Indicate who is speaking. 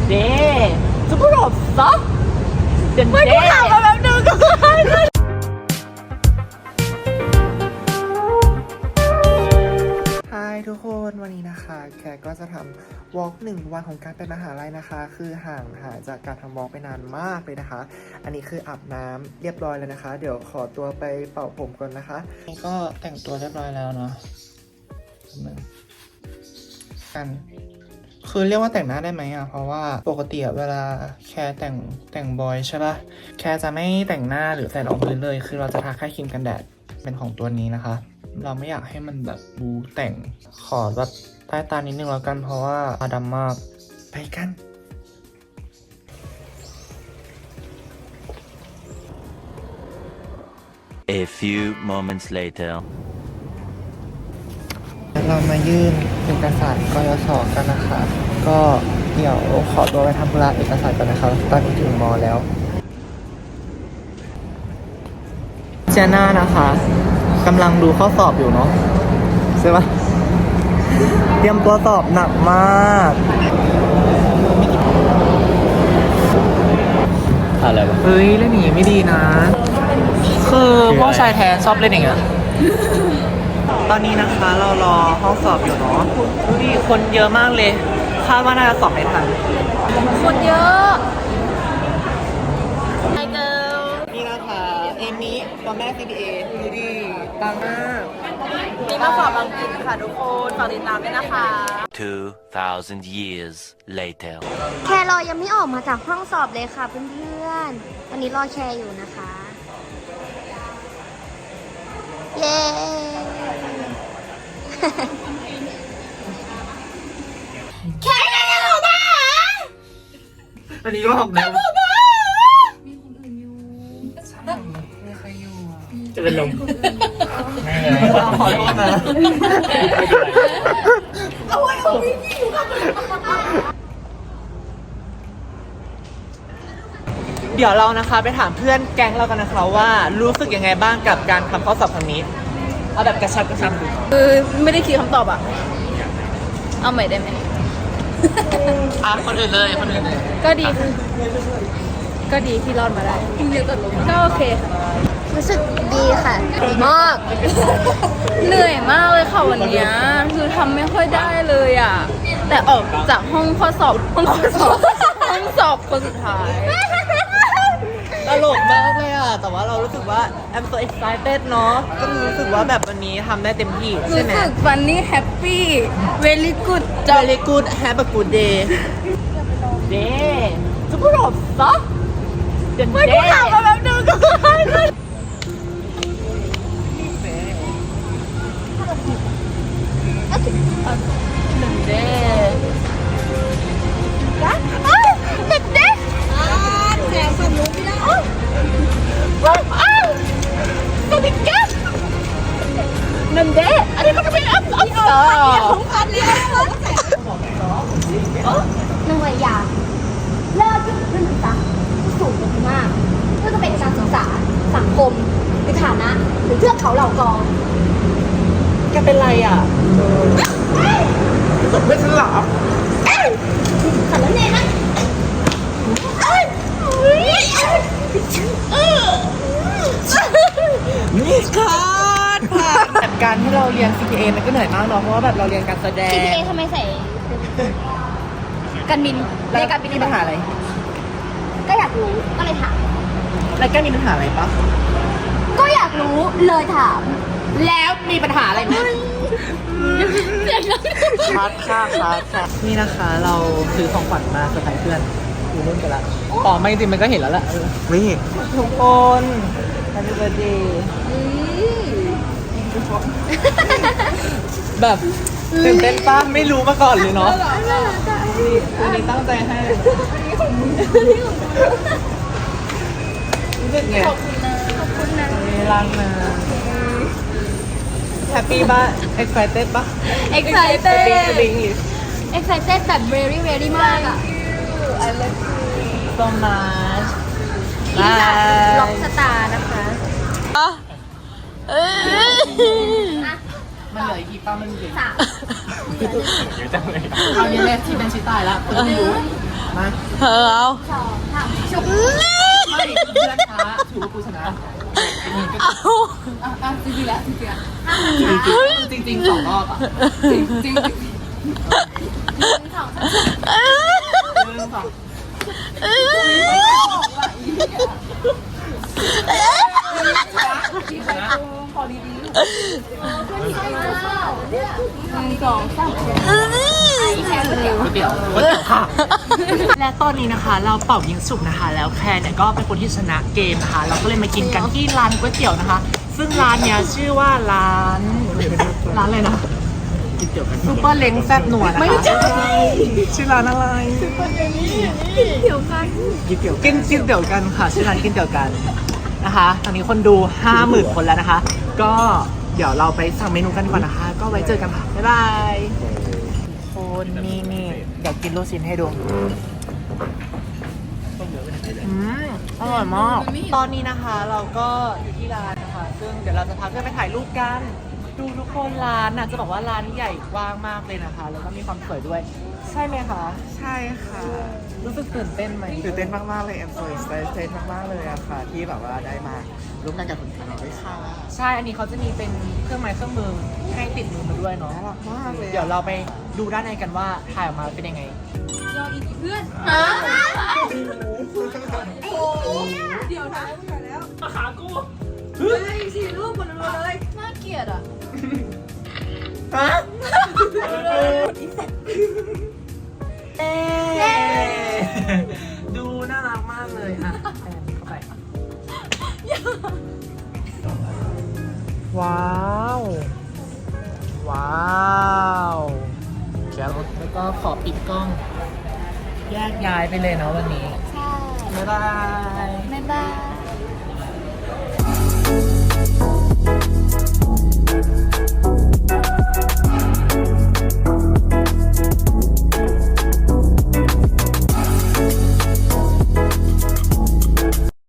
Speaker 1: 네. 두부가 없어? 네. 왜กูถามมาแบบนึงก็ฮายทุกคนวันนี้นะคะแขกก็จะทำวอล์ก1 วันของการไปมหาลัยนะคะคือห่างหายจากการทำวอล์กไปนานมากเลยนะคะอันนี้คืออาบน้ำเรียบร้อยแล้วนะคะเดี๋ยวขอตัวไปเป่าผมก่อนนะคะนี่ก็แต่งตัวเรียบร้อยแล้วเนาะกันคือเรียกว่าแต่งหน้าได้ไหมอ่ะเพราะว่าปกติเวลาแค่แต่งบอยใช่ป่ะแค่จะไม่แต่งหน้าหรือใส่รองพื้นเลยคือเราจะทาแค่ครีมกันแดดเป็นของตัวนี้นะคะเราไม่อยากให้มันแบบบูแต่งขอแบบใต้ตานิดนึงแล้วกันเพราะว่าตาดำมากไปกัน
Speaker 2: A few moments later
Speaker 1: เรามายื่นเอกสารกยศกันนะคะก็เดี๋ยวขอตัวไปทำธุระเอกสารกันนะคะตอนนี้ถึงมอแล้วเจน่านะคะกำลังดูข้อสอบอยู่เนาะใช่ปะเตรียมตัวสอบหนักมาก
Speaker 2: อะไรวะ
Speaker 1: เฮ้ยเล่นอย่างนี้ไม่ดีนะคือพวกชายแท้ชอบเล่นอย่างเงี้ยตอนนี้นะคะเรารอห้องสอบอยู่เนาะดูดิคนเยอะมากเลยคาดว่าน่าจะสอบไม่ทัน
Speaker 3: คนเยอะไอเกิล
Speaker 1: นี่นะคะเอมี่ตัวแม่ CBA ดูดิปังมาก
Speaker 3: มีมาสอบอังกฤษค่ะทุกคนฝากติดตามด้วยนะคะ
Speaker 2: 2,000 years later
Speaker 4: แครอยังไม่ออกมาจากห้องสอบเลยค่ะเพื่อนๆวันนี้รอแคร์อยู่นะคะ เย้ แคร์ยังออกมา
Speaker 1: อันนี้ก็ออกแล้วจะเป็นลมไม่เลยขอโทษนะเดี๋ยวเรานะคะไปถามเพื่อนแก๊งเรากันนะคะว่ารู้สึกยังไงบ้างกับการทำข้อสอบครั้งนี้เอาแบบกระชับดู
Speaker 3: คือไม่ได้คิดคำตอบอ่ะ เอาใหม่ได้ไหม
Speaker 1: คนอื่นเลยคนอื่นเลย
Speaker 3: ก็ดีค่ะก็ดีที่รอดมาได้ก็โอเคค่ะ
Speaker 4: รู้สึกดีค่ะดีมาก
Speaker 3: เหนื่อยมากเลยค่ะวันเนี้ยคือทำไม่ค่อยได้เลยอ่ะ แต่ออกจากห้องสอบคนสุดท้าย
Speaker 1: ตลกมากเลยอ่ะแต่ว่าเรารู้สึกว่า I'm so excited เนาะก็รู้สึกว่าแบบวันนี้ทำได้เต็มที่ใช่
Speaker 3: รู้
Speaker 1: ไหม
Speaker 3: สึกฟันนี่แฮปปี้ very good
Speaker 1: Very good have a good day 네 두부가 없어? 네 왜กูถามมาแบบนึงก็난데 아니 그렇게 없어
Speaker 4: หน่วยอยากเลิกที่เพื่อนศึกษาสูงมากเพื่อจะเป็นการศึกษาสังคมหรือฐานะหรือเทือกเขาเหล่ากอง
Speaker 1: แกเป็นไรอ่ะสมเป็นฉลาม
Speaker 4: ขันแล้วเนยนะ
Speaker 1: นี่ค่ะแบบการที่เราเรียน CPA มันก็เหนื่อยมากเนาะเพราะว่าแบบเราเรียนการแสดง
Speaker 4: CPA ทำไมใส่กันบิน
Speaker 1: แล้ว
Speaker 4: เรียนการบิน
Speaker 1: มีปัญหาอะไร
Speaker 4: ก็อยากรู้ก็เลยถาม
Speaker 1: แล้วแกมีปัญหาอะไรปะ
Speaker 4: ก็อยากรู้เลยถาม
Speaker 1: แล้วมีปัญหาอะไรไหมคัดค่ะนี่นะคะเราซื้อของขวัญมาเซอร์ไพรส์เพื่อนดูรุ่นกันละอ๋อไม่จริงมันก็เห็นแล้วแหละไม่เห็นทุกคน Happy birthday แบบตื่นเต้นปะไม่รู้มาก่อนเลยเนาะวันนี้ตั้งใจให้รู้สึกไงขอบคุณนะรักนะแฮปปี้ป่ะ excited ป่ะ
Speaker 4: excited
Speaker 1: excited
Speaker 4: แบบ very very มากอ่ะ
Speaker 1: I love you so much
Speaker 4: ที่จะล็อกสตาร์นะคะ
Speaker 1: มันเหลืออีกกี่ป้ามันเหลือ
Speaker 4: 3
Speaker 1: เอาเนี่ยแรกที่เป็นชิตายแล้วคุณรู้มา
Speaker 3: เออเอา
Speaker 1: ไม่เพื่อนช้าถือว่ากูชนะจริงๆสองรอบอ่ะจริงสองเดี๋ยวค่ะ และตอนนี้นะคะเราเป่ายิงฉุบนะคะ แล้วแคร์เนี่ยก็เป็นคนที่ชนะเกมนะคะ เราก็เลยมากินกันที่ร้านก๋วยเตี๋ยวนะคะ ซึ่งร้านเนี้ยชื่อว่าร้านอะไรนะซุปเปอร์เล้งแซ่บนัวนะคะไม่ใช่ชื่อร้านอะไรกินเตี๋ยวกันกินเตี๋ยวกันค่ะชื่อร้านกินเตี๋ยวกันนะคะตอนนี้คนดู 50,000 คนแล้วนะคะ ก็เดี๋ยวเราไปสั่งเมนูกันก่อนนะคะ ก็ไว้เจอกันค่ะบ๊ายบายคนนี่เดี๋ยวกินลูกชิ้นให้ดูอร่อยมากตอนนี้นะคะเราก็อยู่ที่ร้านนะคะ ซึ่งเดี๋ยวเราจะพาเพื่อนไปถ่ายรูปกันดูทุกคนร้านน่ะจะบอกว่าร้านใหญ่กว้างมากเลยนะคะ แล้วก็มีความสวยด้วยใช่ไหมคะ
Speaker 5: ใช่ค่ะ
Speaker 1: รู้สึกตื่นเต้นไหม
Speaker 5: ตื่นเต้นมากๆเลยแอมโซอิสเตนมากๆเลยอะค่ะ ที่แบบว่าได้มาร่วมงานกับคุณคาร์ด้วยค่ะ
Speaker 1: ใช่อันนี้เขาจะมีเป็นเครื่องไม้เครื่องมือให้ติดมือมาด้วยเนาะ
Speaker 5: น่ารักมากเลย
Speaker 1: เดี๋ยวเราไปดูด้านในกันว่าถ่ายออกมาเป็นยังไง
Speaker 3: น่าเกลียดอ่ะ
Speaker 1: ดูน่ารักมากเลยอ่ะเข้าไปว้าวว้าวแล้วก็ขอปิดกล้อง แยกย้ายไปเลยเนาะวันนี้
Speaker 4: ใช่
Speaker 1: บ๊ายบาย